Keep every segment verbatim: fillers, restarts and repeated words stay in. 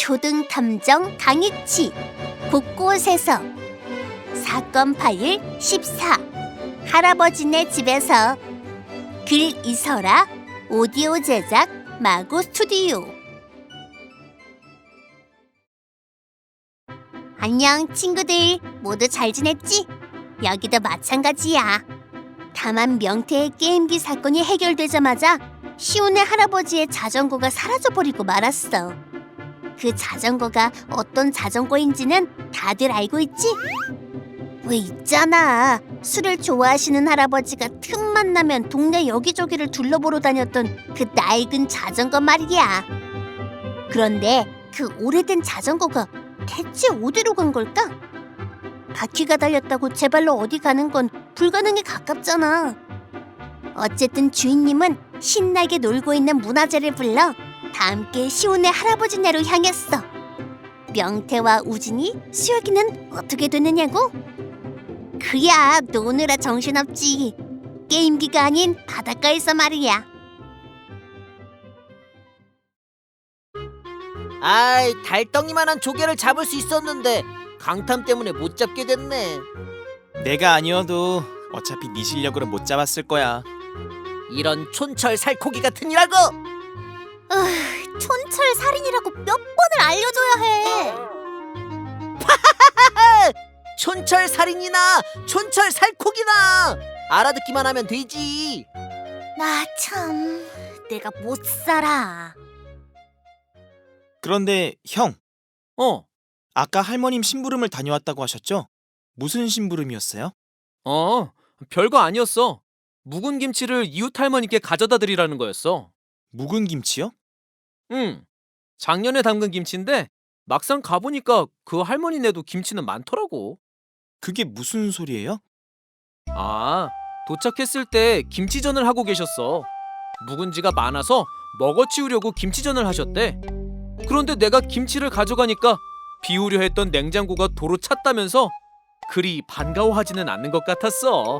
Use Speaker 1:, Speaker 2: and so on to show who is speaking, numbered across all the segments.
Speaker 1: 초등탐정 강익치 곳곳에서 사건 파일 십사 할아버지네 집에서 글 이설아 오디오 제작 마고 스튜디오. 안녕 친구들, 모두 잘 지냈지? 여기도 마찬가지야. 다만 명태의 게임기 사건이 해결되자마자 시온의 할아버지의 자전거가 사라져버리고 말았어. 그 자전거가 어떤 자전거인지는 다들 알고 있지? 왜 있잖아, 술을 좋아하시는 할아버지가 틈만 나면 동네 여기저기를 둘러보러 다녔던 그 낡은 자전거 말이야. 그런데 그 오래된 자전거가 대체 어디로 간 걸까? 바퀴가 달렸다고 제 발로 어디 가는 건 불가능에 가깝잖아. 어쨌든 주인님은 신나게 놀고 있는 문화재를 불러 다 함께 시온의 할아버지네로 향했어. 명태와 우진이, 수혁이는 어떻게 됐느냐고? 그야 노느라 정신없지. 게임기가 아닌 바닷가에서 말이야.
Speaker 2: 아이, 달덩이만한 조개를 잡을 수 있었는데 강탐 때문에 못 잡게 됐네.
Speaker 3: 내가 아니어도 어차피 네 실력으로 못 잡았을 거야.
Speaker 2: 이런 촌철 살코기 같은 이라고!
Speaker 1: 으, 촌철 살인이라고 몇 번을 알려줘야 해.
Speaker 2: 촌철 살인이나 촌철 살코기나 알아듣기만 하면 되지.
Speaker 1: 나 참, 내가 못 살아.
Speaker 3: 그런데 형,
Speaker 4: 어,
Speaker 3: 아까 할머님 심부름을 다녀왔다고 하셨죠? 무슨 심부름이었어요?
Speaker 4: 어, 별거 아니었어. 묵은 김치를 이웃 할머니께 가져다 드리라는 거였어.
Speaker 3: 묵은 김치요?
Speaker 4: 응, 작년에 담근 김치인데 막상 가보니까 그 할머니네도 김치는 많더라고.
Speaker 3: 그게 무슨 소리예요?
Speaker 4: 아, 도착했을 때 김치전을 하고 계셨어. 묵은지가 많아서 먹어치우려고 김치전을 하셨대. 그런데 내가 김치를 가져가니까 비우려 했던 냉장고가 도로 찼다면서 그리 반가워하지는 않는 것 같았어.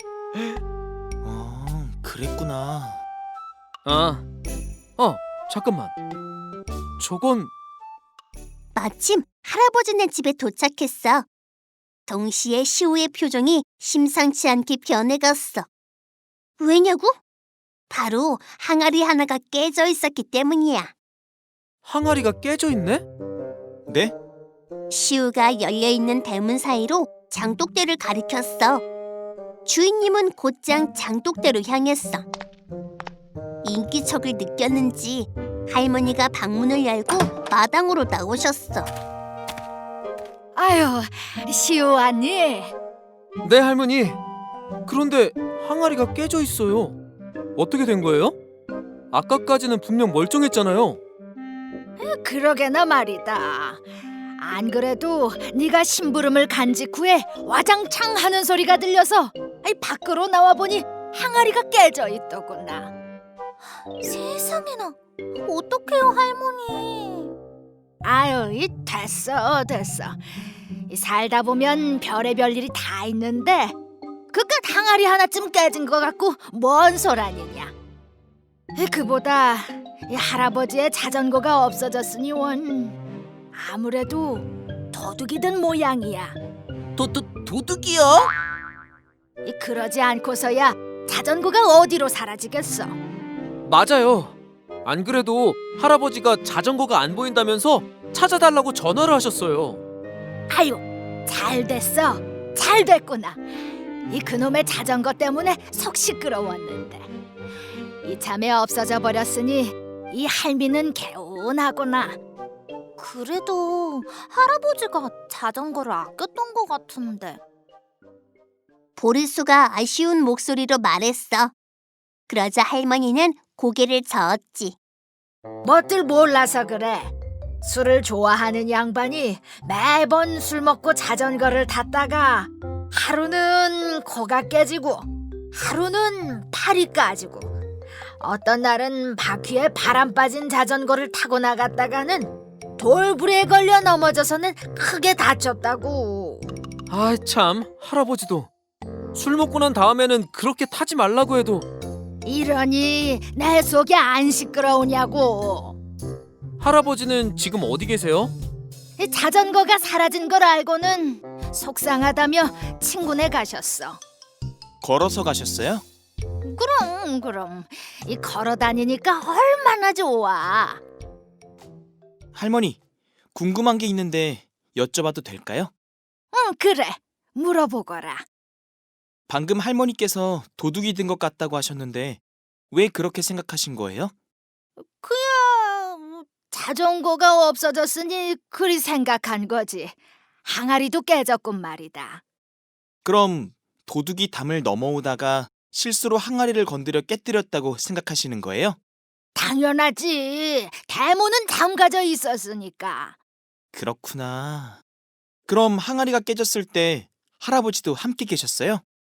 Speaker 3: 아, 그랬구나.
Speaker 4: 아, 어, 잠깐만. 저건
Speaker 1: 마침 할아버지네 집에 도착했어. 동시에 시우의 표정이 심상치 않게 변해갔어. 왜냐고? 바로 항아리 하나가 깨져 있었기 때문이야.
Speaker 4: 항아리가 깨져 있네?
Speaker 3: 네?
Speaker 1: 시우가 열려있는 대문 사이로 장독대를 가리켰어. 주인님은 곧장 장독대로 향했어. 인기척을 느꼈는지 할머니가 방문을 열고 마당으로 나오셨어.
Speaker 5: 아유, 시우 왔니?
Speaker 4: 네, 할머니. 그런데 항아리가 깨져 있어요. 어떻게 된 거예요? 아까까지는 분명 멀쩡했잖아요.
Speaker 5: 그러게나 말이다. 안 그래도 네가 심부름을 간 직후에 와장창 하는 소리가 들려서 아이, 밖으로 나와보니 항아리가 깨져 있더구나.
Speaker 1: 세상에나, 어떡해요 할머니.
Speaker 5: 아유, 이 됐어 됐어. 이 살다 보면 별의별 일이 다 있는데 그깟 항아리 하나쯤 깨진 것 같고 뭔 소란이냐. 이, 그보다 이 할아버지의 자전거가 없어졌으니 원 아무래도 도둑이 든 모양이야.
Speaker 2: 도, 도, 도둑이요?
Speaker 5: 이, 그러지 않고서야 자전거가 어디로 사라지겠어.
Speaker 4: 맞아요. 안 그래도 할아버지가 자전거가 안 보인다면서 찾아달라고 전화를 하셨어요.
Speaker 5: 아유, 잘 됐어. 잘 됐구나. 이 그놈의 자전거 때문에 속 시끄러웠는데 이참에 없어져 버렸으니 이 할미는 개운하구나.
Speaker 1: 그래도 할아버지가 자전거를 아꼈던 것 같은데. 보리수가 아쉬운 목소리로 말했어. 그러자 할머니는 고개를 저었지.
Speaker 5: 뭣들 몰라서 그래. 술을 좋아하는 양반이 매번 술 먹고 자전거를 탔다가 하루는 코가 깨지고 하루는 팔이 까지고 어떤 날은 바퀴에 바람 빠진 자전거를 타고 나갔다가는 돌불에 걸려 넘어져서는 크게 다쳤다고.
Speaker 4: 아, 참, 할아버지도 술 먹고 난 다음에는 그렇게 타지 말라고 해도
Speaker 5: 이러니 내 속이 안 시끄러우냐고.
Speaker 4: 할아버지는 지금 어디 계세요?
Speaker 5: 이 자전거가 사라진 걸 알고는 속상하다며 친구네 가셨어.
Speaker 3: 걸어서 가셨어요?
Speaker 5: 그럼 그럼 이 걸어 다니니까 얼마나 좋아.
Speaker 3: 할머니, 궁금한 게 있는데 여쭤봐도 될까요?
Speaker 5: 응, 그래. 물어보거라.
Speaker 3: 방금 할머니께서 도둑이 든 것 같다고 하셨는데 왜 그렇게 생각하신 거예요?
Speaker 5: 그야 자전거가 없어졌으니 그리 생각한 거지. 항아리도 깨졌군 말이다.
Speaker 3: 그럼 도둑이 담을 넘어오다가 실수로 항아리를 건드려 깨뜨렸다고 생각하시는 거예요?
Speaker 5: 당연하지. 대문은 잠가져 있었으니까.
Speaker 3: 그렇구나. 그럼 항아리가 깨졌을 때 할아버지도 함께 계셨어요?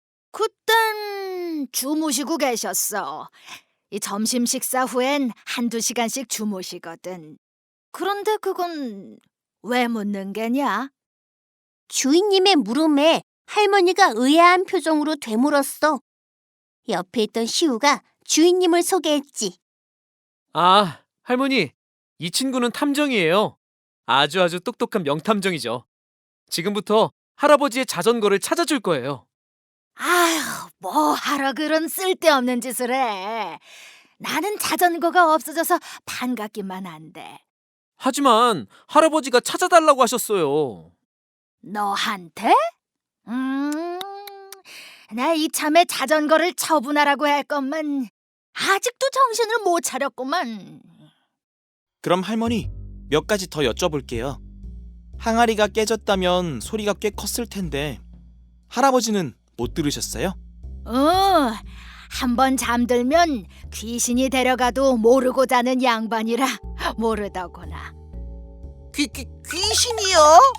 Speaker 5: 그땐 주무시고 계셨어. 이 점심 식사 후엔 한두 시간씩 주무시거든. 그런데 그건 왜 묻는 게냐?
Speaker 1: 주인님의 물음에 할머니가 의아한 표정으로 되물었어. 옆에 있던 시우가 주인님을 소개했지.
Speaker 4: 아, 할머니, 이 친구는 탐정이에요. 아주 아주 똑똑한 명탐정이죠. 지금부터 할아버지의 자전거를 찾아줄 거예요.
Speaker 5: 아휴, 뭐 하러 그런 쓸데없는 짓을 해. 나는 자전거가 없어져서 반갑기만 한데.
Speaker 4: 하지만 할아버지가 찾아달라고 하셨어요.
Speaker 5: 너한테? 음, 나 이참에 자전거를 처분하라고 했건만 아직도 정신을 못 차렸구만.
Speaker 3: 그럼 할머니, 몇 가지 더 여쭤볼게요. 항아리가 깨졌다면 소리가 꽤 컸을 텐데 할아버지는 못 들으셨어요?
Speaker 5: 어, 한 번 잠들면 귀신이 데려가도 모르고 자는 양반이라 모르더구나.
Speaker 2: 귀, 귀, 귀신이요?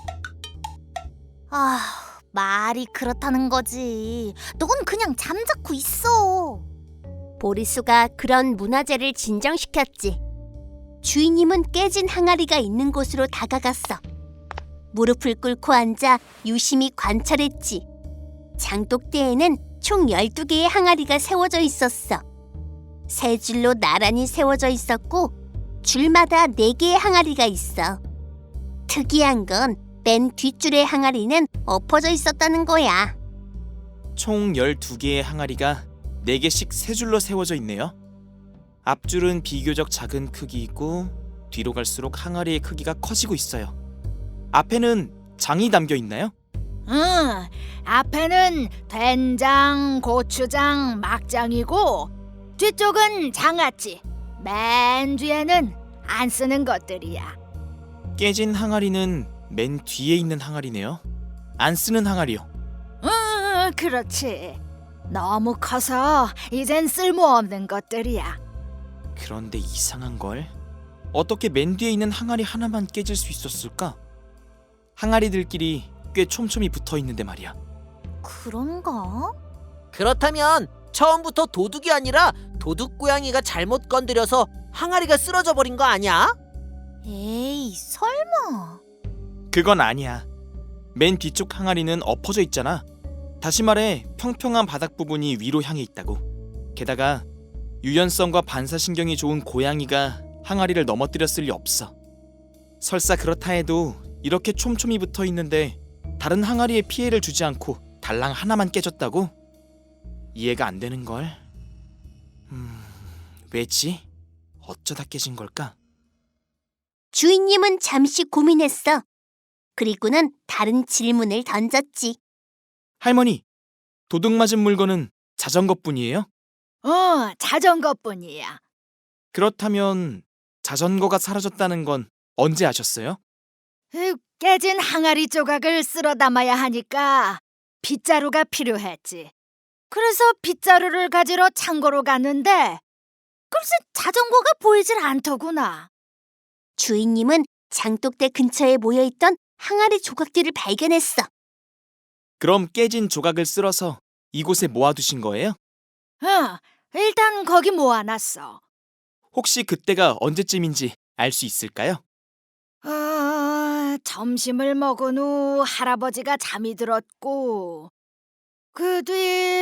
Speaker 1: 아, 말이 그렇다는 거지. 넌 그냥 잠자코 있어. 보리수가 그런 문화재를 진정시켰지. 주인님은 깨진 항아리가 있는 곳으로 다가갔어. 무릎을 꿇고 앉아 유심히 관찰했지. 장독대에는 총 열두 개의 항아리가 세워져 있었어. 세 줄로 나란히 세워져 있었고 줄마다 네 개의 항아리가 있어. 특이한 건 맨 뒷줄의 항아리는 엎어져 있었다는 거야.
Speaker 3: 총 열두 개의 항아리가 네 개씩 세 줄로 세워져 있네요. 앞줄은 비교적 작은 크기이고 뒤로 갈수록 항아리의 크기가 커지고 있어요. 앞에는 장이 담겨 있나요?
Speaker 5: 응, 앞에는 된장, 고추장, 막장이고 뒤쪽은 장아찌. 맨 뒤에는 안 쓰는 것들이야.
Speaker 3: 깨진 항아리는 맨 뒤에 있는 항아리네요. 안 쓰는 항아리요.
Speaker 5: 응, 그렇지. 너무 커서 이젠 쓸모없는 것들이야.
Speaker 3: 그런데 이상한 걸. 어떻게 맨 뒤에 있는 항아리 하나만 깨질 수 있었을까? 항아리들끼리 꽤 촘촘히 붙어 있는데 말이야.
Speaker 1: 그런가?
Speaker 2: 그렇다면 처음부터 도둑이 아니라 도둑 고양이가 잘못 건드려서 항아리가 쓰러져 버린 거 아니야?
Speaker 1: 에이, 설마.
Speaker 3: 그건 아니야. 맨 뒤쪽 항아리는 엎어져 있잖아. 다시 말해 평평한 바닥 부분이 위로 향해 있다고. 게다가 유연성과 반사신경이 좋은 고양이가 항아리를 넘어뜨렸을 리 없어. 설사 그렇다 해도 이렇게 촘촘히 붙어 있는데 다른 항아리에 피해를 주지 않고 달랑 하나만 깨졌다고? 이해가 안 되는 걸. 음, 왜지? 어쩌다 깨진 걸까?
Speaker 1: 주인님은 잠시 고민했어. 그리고는 다른 질문을 던졌지.
Speaker 3: 할머니, 도둑 맞은 물건은 자전거뿐이에요?
Speaker 5: 어, 자전거뿐이야.
Speaker 3: 그렇다면 자전거가 사라졌다는 건 언제 아셨어요?
Speaker 5: 으, 깨진 항아리 조각을 쓸어 담아야 하니까 빗자루가 필요했지. 그래서 빗자루를 가지러 창고로 갔는데 글쎄 자전거가 보이질 않더구나.
Speaker 1: 주인님은 장독대 근처에 모여있던 항아리 조각들을 발견했어.
Speaker 3: 그럼 깨진 조각을 쓸어서 이곳에 모아두신 거예요?
Speaker 5: 어, 일단 거기 모아놨어.
Speaker 3: 혹시 그때가 언제쯤인지 알 수 있을까요?
Speaker 5: 어, 점심을 먹은 후 할아버지가 잠이 들었고 그 뒤...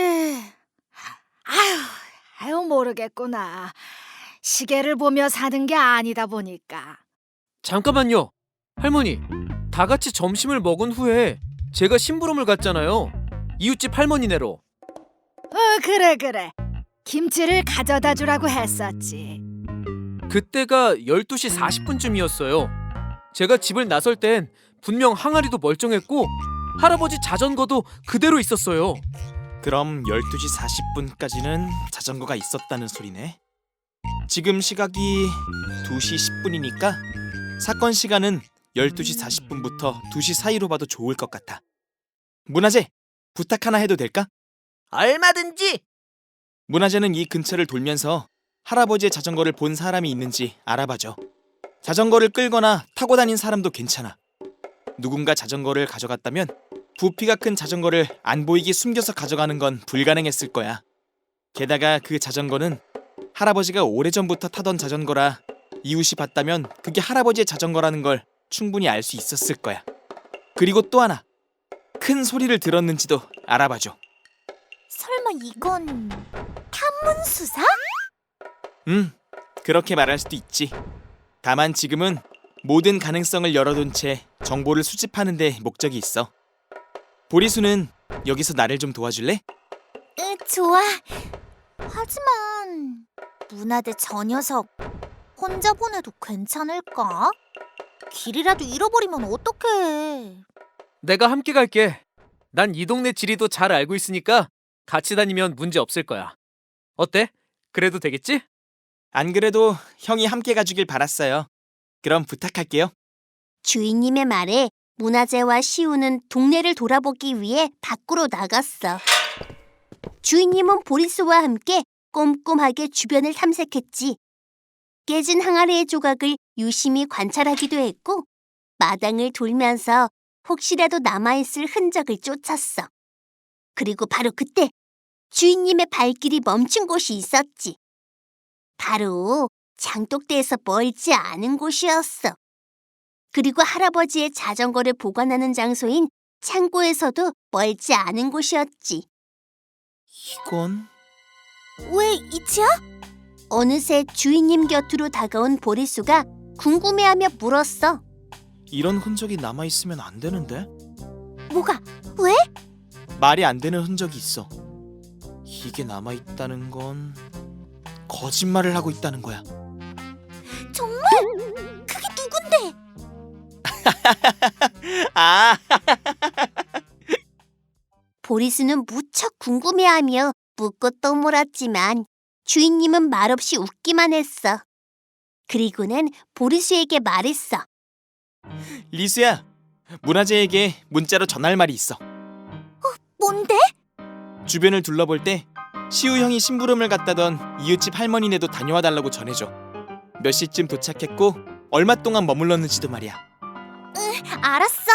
Speaker 5: 아휴, 아유 모르겠구나. 시계를 보며 사는 게 아니다 보니까.
Speaker 4: 잠깐만요. 할머니, 다 같이 점심을 먹은 후에 제가 심부름을 갔잖아요. 이웃집 할머니네로.
Speaker 5: 어, 그래 그래. 김치를 가져다 주라고 했었지.
Speaker 4: 그때가 열두 시 사십 분쯤이었어요. 제가 집을 나설 땐 분명 항아리도 멀쩡했고 할아버지 자전거도 그대로 있었어요.
Speaker 3: 그럼 열두 시 사십 분까지는 자전거가 있었다는 소리네. 지금 시각이 두 시 십 분이니까 사건 시간은 열두 시 사십 분부터 두 시 사이로 봐도 좋을 것 같아. 문화재, 부탁 하나 해도 될까?
Speaker 2: 얼마든지.
Speaker 3: 문화재는 이 근처를 돌면서 할아버지의 자전거를 본 사람이 있는지 알아봐줘. 자전거를 끌거나 타고 다닌 사람도 괜찮아. 누군가 자전거를 가져갔다면 부피가 큰 자전거를 안 보이게 숨겨서 가져가는 건 불가능했을 거야. 게다가 그 자전거는 할아버지가 오래전부터 타던 자전거라 이웃이 봤다면 그게 할아버지의 자전거라는 걸 충분히 알 수 있었을 거야. 그리고 또 하나, 큰 소리를 들었는지도 알아봐줘.
Speaker 1: 설마 이건 탐문수사?
Speaker 3: 음, 그렇게 말할 수도 있지. 다만 지금은 모든 가능성을 열어둔 채 정보를 수집하는 데 목적이 있어. 보리수는 여기서 나를 좀 도와줄래?
Speaker 1: 응, 좋아. 하지만 문화대 저 녀석 혼자 보내도 괜찮을까? 길이라도 잃어버리면 어떡해.
Speaker 4: 내가 함께 갈게. 난 이 동네 지리도 잘 알고 있으니까 같이 다니면 문제 없을 거야. 어때? 그래도 되겠지?
Speaker 3: 안 그래도 형이 함께 가주길 바랐어요. 그럼 부탁할게요.
Speaker 1: 주인님의 말에 문화재와 시우는 동네를 돌아보기 위해 밖으로 나갔어. 주인님은 보리수와 함께 꼼꼼하게 주변을 탐색했지. 깨진 항아리의 조각을 유심히 관찰하기도 했고 마당을 돌면서 혹시라도 남아있을 흔적을 쫓았어. 그리고 바로 그때 주인님의 발길이 멈춘 곳이 있었지. 바로 장독대에서 멀지 않은 곳이었어. 그리고 할아버지의 자전거를 보관하는 장소인 창고에서도 멀지 않은 곳이었지.
Speaker 3: 이건...
Speaker 1: 왜 이치야? 어느새 주인님 곁으로 다가온 보리수가 궁금해하며 물었어.
Speaker 3: 이런 흔적이 남아있으면 안 되는데?
Speaker 1: 뭐가? 왜?
Speaker 3: 말이 안 되는 흔적이 있어. 이게 남아있다는 건 거짓말을 하고 있다는 거야.
Speaker 1: 정말? 그게 누군데?
Speaker 3: 아,
Speaker 1: 보리수는 무척 궁금해하며 묻고 또 물었지만 주인님은 말없이 웃기만 했어. 그리고는 보리수에게 말했어.
Speaker 3: 리수야, 문화재에게 문자로 전할 말이 있어.
Speaker 1: 뭔데?
Speaker 3: 주변을 둘러볼 때 시우 형이 심부름을 갔다던 이웃집 할머니네도 다녀와 달라고 전해줘. 몇 시쯤 도착했고 얼마 동안 머물렀는지도 말이야.
Speaker 1: 알았어.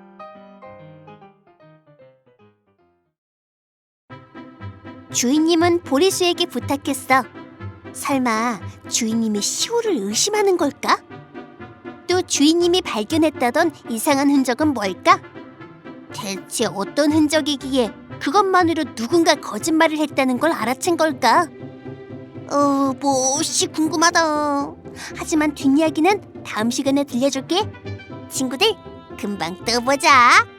Speaker 1: 주인님은 보리수에게 부탁했어. 설마 주인님이 시우를 의심하는 걸까? 또 주인님이 발견했다던 이상한 흔적은 뭘까? 대체 어떤 흔적이기에 그것만으로 누군가 거짓말을 했다는 걸 알아챈 걸까? 어, 몹시 궁금하다. 하지만 뒷이야기는 다음 시간에 들려줄게. 친구들, 금방 또 보자.